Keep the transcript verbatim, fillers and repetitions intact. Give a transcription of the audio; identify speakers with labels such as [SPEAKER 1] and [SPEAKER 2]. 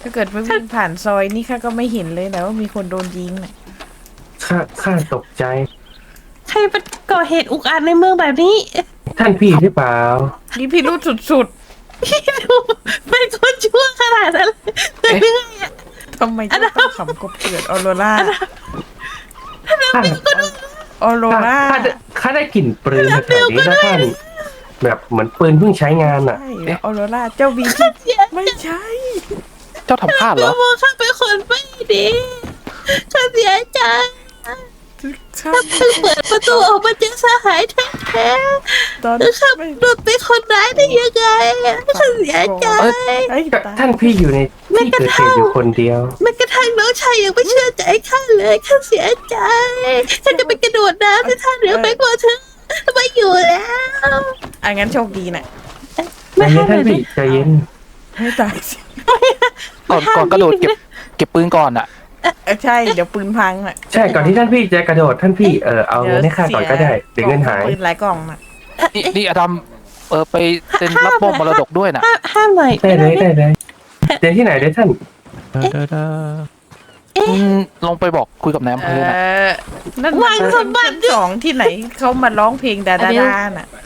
[SPEAKER 1] ถ้าเกิดไม่วิ่งผ่านซอยนี่ข้าก็ไม่เห็นเลยนะว่ามีคนโดนยิงน่ะ
[SPEAKER 2] ข้าข้าตกใจ
[SPEAKER 3] ใครเป็นก่อเหตุอุกอาจในเมืองแบบนี้
[SPEAKER 2] ท่านพี่หรือเปล่า
[SPEAKER 1] นี่พี่รู้สุด
[SPEAKER 3] พี่ดูเป็นคนชั่วขนาดนั้นเลยเรื่อยอะ
[SPEAKER 1] ๆทำไมต้องขำกบเกิดออโรรา
[SPEAKER 2] ข้า
[SPEAKER 1] ออโร
[SPEAKER 2] ข้า
[SPEAKER 1] รา
[SPEAKER 2] ข้าได้ข้าได้กลิ่นปืนแถวๆนี้นะท่าน แบบเหมือนปืนเพิ่งใช้งานอ่ะ
[SPEAKER 1] ใช่ออโรราเจ้าบีที่ไม่ใช่
[SPEAKER 4] เจ้าทำพลาดเหรอ
[SPEAKER 3] มองข้าเป็นคนไม่ดีข้าเสียใจ
[SPEAKER 1] ข้า
[SPEAKER 3] เพิ่งเปิดประตูออกมาเจอสหายแท้
[SPEAKER 1] ตอน
[SPEAKER 3] ๆแล้วข้า
[SPEAKER 1] ไม่
[SPEAKER 3] โดนเป็นคนร้ายได้ยังไงข้าเสียใจ
[SPEAKER 1] ไอ้
[SPEAKER 2] ก็
[SPEAKER 1] ตาย
[SPEAKER 2] ท่านพี่อยู่ในที่เกิดเหตุอยู่คนเดียว
[SPEAKER 3] แม้กระทั่งน้องชายยังไม่เชื่อใจข้าเลยข้าเสียใจข้าจะไปกระโดดน้ำในท่าเรือไปกว่าเธอไม่อยู่แล้ว
[SPEAKER 1] อ่ะงั้นโชคดีน่ะ
[SPEAKER 2] ใจเย็นท่านพี่ใจเย็น
[SPEAKER 1] ให้ตายสิ
[SPEAKER 4] ก่อนก่อนกระโดดเก็บเก็บปืนก่อนอ่ะ
[SPEAKER 1] เออใช่เดี๋ยวปืนพังน่ะ
[SPEAKER 2] ใช่ก่อนที่ท่านพี่จะกระโดดท่านพี่เออเอาเงินให้ข้าก่อนก็ได้เดี๋ยวเงินหาย
[SPEAKER 1] ปืนหลายกล่องน่ะ
[SPEAKER 4] นี่นี่อดัมเออไปเซ็นรับมอบมรดกด้วยนะ
[SPEAKER 3] ห้ามห้ามหน่อย
[SPEAKER 2] ได้เลยได้เลยเดี๋ยวที่ไหนเดี๋ยวท่าน
[SPEAKER 4] อืมลงไปบอกคุยกับนายอำ
[SPEAKER 1] เอ
[SPEAKER 4] เภอนะ
[SPEAKER 1] อนั่นมันชั้นสองที่ไหนเขามาร้องเพลงดาดาดาน่ะ